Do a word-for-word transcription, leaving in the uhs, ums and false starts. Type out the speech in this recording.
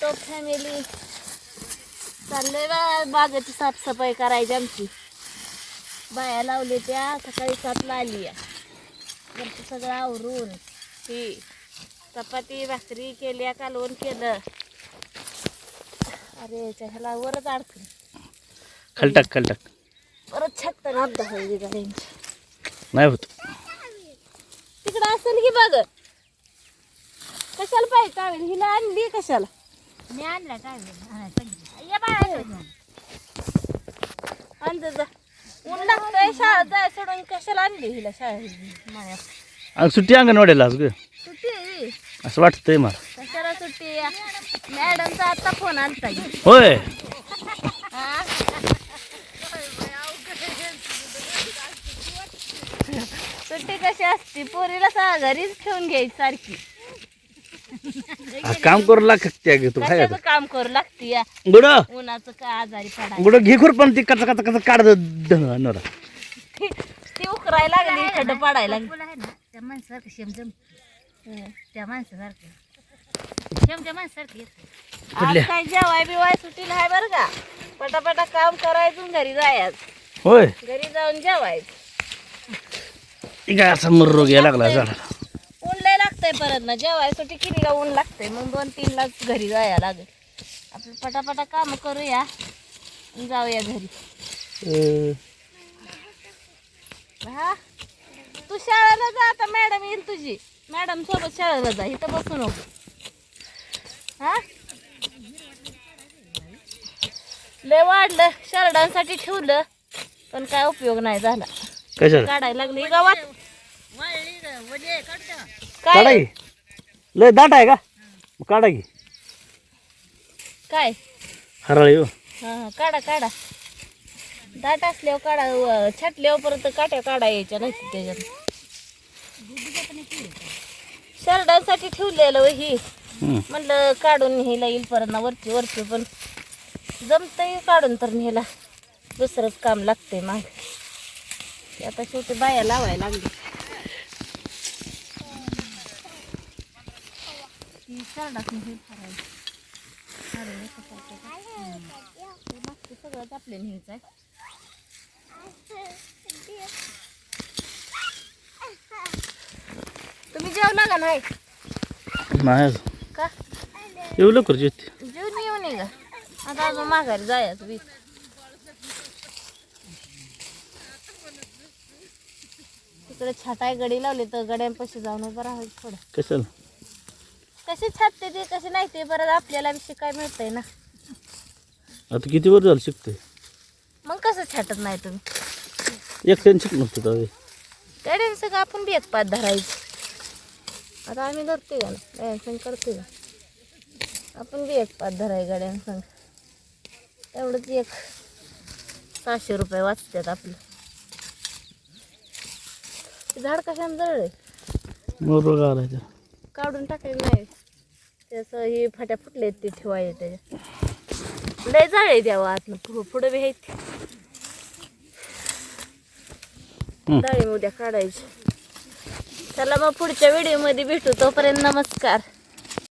तो फॅमिली चाललंय बा बागेची साफसफाई करायची आमची. बाया लावले त्या सकाळी सातला आली या वरती सगळं आवरून ती चपाती भाकरी केल्या कालवण केलं. अरे ह्याला वरच अडकलं खालटाक खालटाक परत छाटतं ना अपघात होईल गाड्यांची. नाही होत तिकडं असेल की बघ. कशाला पाहिजे टावेल हिला आणली कशाला. मी आणला टावेल ये बाळा आणज जा ऊन लागतंय शाळेत जाय सोडून कशाला आणली हिला शाळेत माया. आणि सुट्टी अंगणवाडीला आज ग सुट्टी आहे असं वाटतंय मला. कशाला सुट्टी मॅडमचा आता फोन आलता की. होय हा? सुट्टी कशी असते पोरीला सा घरीच ठेवून घ्यायची सारखी. आ, काम करू लागते ग तू काय कशाचं काम करू लागते या गुड उन्हाचं काय आजारी पडायला. गुड घे खुर पण ती कच कच कच काढ नरा ती उकरायला लागली खड्ड पाडायला लागली. आहे ना त्या माणसासारखं शेम जम त्या माणसासारखं शेमच्या माणसासारखं येत. आज काय जेवाय बिवाय सुट्टीला आहे बरं का. पटापटा काम करायचं घरी जायचं. होय घरी जाऊन जेवायचं. काय असा मर्रो घ्यायला लागला झाडाला. ऊन लय लागतंय परत ना जेवाय सुट्टी केली का ऊन लागतंय मग दोन तीन लाच घरी जायला लागेल. आपलं पटापटा काम करूया आणि जाऊया घरी. अं, हा तू शाळेला जा आता मॅडम येईल तुझी. मॅडम सोबत शाळेला जा इथं बसू नको. हा लय वाढलं शरडांसाठी ठेवलं पण काय उपयोग नाही झाला. कशाला काढायला लागली गावात काढा काय की लय दाट आहे का मग काढा की काय हराळी हो. हा हा काढा काढा दाट असल्यावर काढा व छाटल्यावर परत काट्या काढा यायच्या नाही त्याच्यात. शरडांसाठी ठेवलेलं व ही हम्म. म्हणलं काढून न्यायला येईल परत ना वरची वरची पण जमतंय काढून तर न्यायला दुसरंच काम लागतंय माग. ते आता शेवटी बाया लावायला लागली. ती शरडाच नाही फरायची मागचं सगळंच आपल्या न्यायचं आहे. तुम्ही जेवला का नाही नाही अजून का येऊ लवकर जेवते. जेवून येऊ नये का आता अजून माघारी जायचं वीस. तिकडे छाटाय गडी लावली तर गड्यांपाशी जाऊन उभं राहायचं थोडं. कशाला कसे छाटते ते कसे नाही ते बरं आपल्याला विषय काय मिळतंय ना. आता किती वर झालं शिकते मग कसं छाटत नाही तुम्ही एकट्याने शिक नसतं तर गड्यां सगळं आपण बी एक पाच धरायचं. आता आम्ही धरते का ना गड्यांसंग करते का आपण बी एक पाच धराय गड्यांसंग तेवढंच एक सहाशे रुपये वाचतात आपलं. ते झाड कशाने जळले मोर आलाय काढून टाकले नाही त्याचं हे फाट्या फुटले ते ठेवायचे त्याच्यात लय जाळे द्यावं आतनं पुढं पुढं बी आहेत जाळे उद्या काढायचे. चला मग पुढच्या व्हिडिओमध्ये भेटू तोपर्यंत नमस्कार.